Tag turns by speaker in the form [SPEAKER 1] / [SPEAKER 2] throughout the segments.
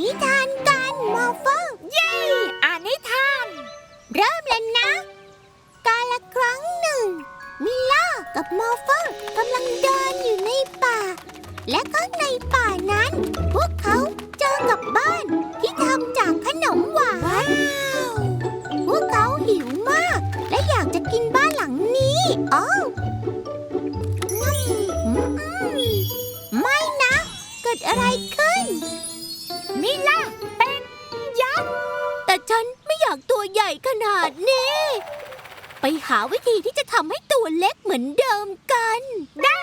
[SPEAKER 1] นิทานกันมอฟเฟอร์เย้อ่านนิทาน เริ่มเลยนะ กาลครั้งหนึ่งมิล่ากับมอฟเฟอร์กำลังเดินอยู่ในป่า และก็ในป่านั้น พวกเขาเจอกับบ้านที่ทำจากขนมหวานพวกเขาหิวมากและอยากจะกินบ้านหลังนี้อ้าวไม่นะ เกิดอะไรขึ้นมิล่าเป็นยักษ์แต่ฉันไม่อยากตัวใหญ่ขนาดนี้ไปหาวิธีที่จะทำให้ตัวเล็กเหมือนเดิมกันได้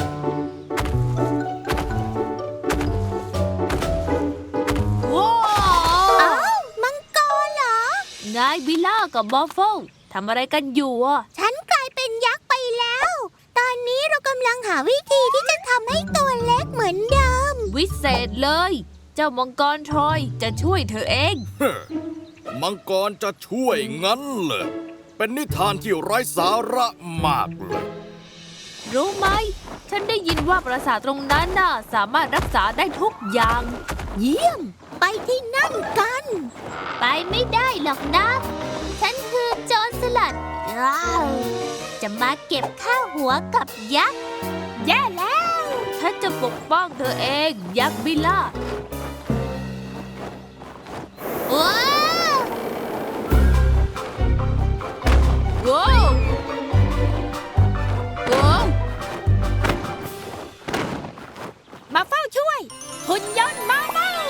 [SPEAKER 2] ว้าว
[SPEAKER 1] อ้าวมังกรเหรอ
[SPEAKER 2] นายวิลล่ากับบอฟเฟิลทำอะไรกันอยู่อ่ะ
[SPEAKER 1] ฉันกลายเป็นยักษ์ไปแล้ว ตอนนี้เรากำลังหาวิธีที่จะทำให้ตัวเล็กเหมือนเดิม
[SPEAKER 2] วิเศษเลย เจ้ามังกรทรอยจะช่วยเธอเอง
[SPEAKER 3] มังกรจะช่วยงั้นเหรอเป็นนิทานที่ไร้สาระมากเลย
[SPEAKER 2] รู้ไหม ฉันได้ยินว่าปราสาทตรงนั้นน่ะสามารถรักษาได้ทุกอย่าง
[SPEAKER 1] เยี่ยมไปที่นั่นกันไปไม่ได้หรอกนะฉันคือโจรสลัดจะมาเก็บข้าวหัวกับยักษ์แย่แล้ว
[SPEAKER 2] ฉันจะปกป้องเธอเองยักษ์วิลล่า
[SPEAKER 1] ว้าว
[SPEAKER 2] ว้าวว้าว
[SPEAKER 1] มาเฝ้าช่วยหุ่นยนต์มาเฝ้า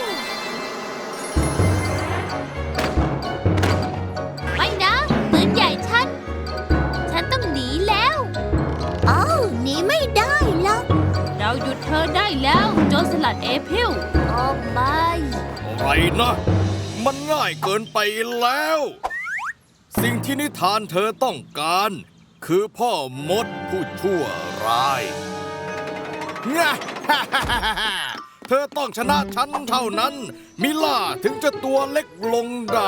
[SPEAKER 1] ไม่นะปืนใหญ่ฉันต้องหนีแล้วอ้าวหนีไม่ได้หรอก
[SPEAKER 2] เราหยุดเธอได้แล้วโจรสลัดเอพิล
[SPEAKER 1] โอ้ไม่
[SPEAKER 3] อะไรนะ มันง่ายเกินไปแล้ว สิ่งที่นิทานเธอต้องการ คือพ่อมดผู้ชั่วร้ายงะเธอต้องชนะฉันเท่านั้น มิล่าถึงจะตัวเล็กลงได้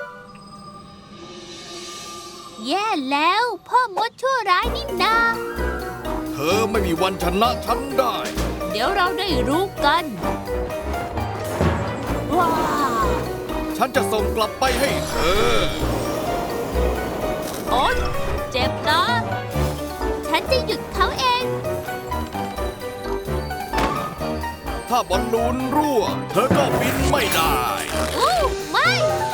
[SPEAKER 1] แย่แล้วพ่อมดชั่วร้ายนี่นา
[SPEAKER 3] เธอไม่มีวันชนะฉันได้
[SPEAKER 2] เดี๋ยวเราได้รู้กัน
[SPEAKER 1] ว้า
[SPEAKER 3] ฉันจะส่งกลับไปให้เธอ
[SPEAKER 2] โอ๊ยเจ็บนะ
[SPEAKER 1] ฉันจะหยุดเขาเอง
[SPEAKER 3] ถ้าบอลลูนรั่วเธอก็บินไม่ได้
[SPEAKER 1] ไม่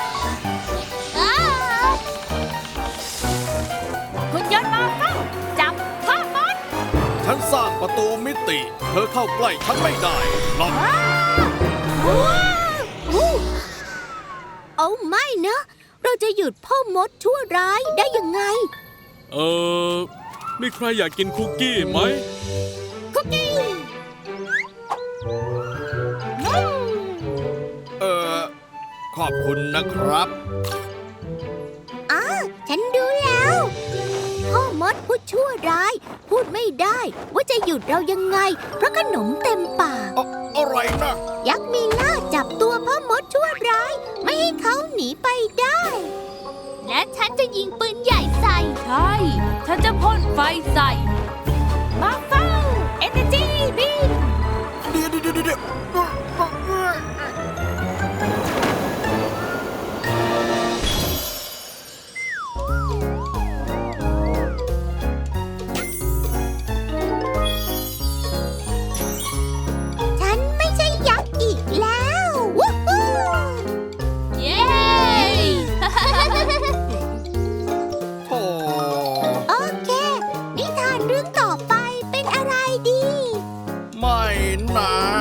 [SPEAKER 2] คุณยนต์มาเฝ้าจับพ่อมด
[SPEAKER 3] ฉันสร้างประตูมิติเธอเข้าใกล้ฉันไม่ได้หรอก
[SPEAKER 1] เอาไม่นะเราจะหยุดพ่อมดชั่วร้ายได้ยังไง
[SPEAKER 4] มีใครอยากกินคุกกี้ไหม
[SPEAKER 1] คุกกี้
[SPEAKER 3] ขอบคุณนะครับ
[SPEAKER 1] ฉันดูแล้วพ่อมดผู้ชั่วร้ายพูดไม่ได้ว่าจะหยุดเรายังไงเพราะขนมเต็มปาก
[SPEAKER 3] อะไรนะ
[SPEAKER 1] ยักษ์มิล่าจับตัวพ่อมดชั่วร้ายไม่ให้เขาหนีไปได้และฉันจะยิงปืนใหญ่ใส่
[SPEAKER 2] ใช่ฉันจะพ่นไฟใส่
[SPEAKER 1] มาเฝ้าเอเนจีบีม
[SPEAKER 3] เดี๋ยวไม่นะ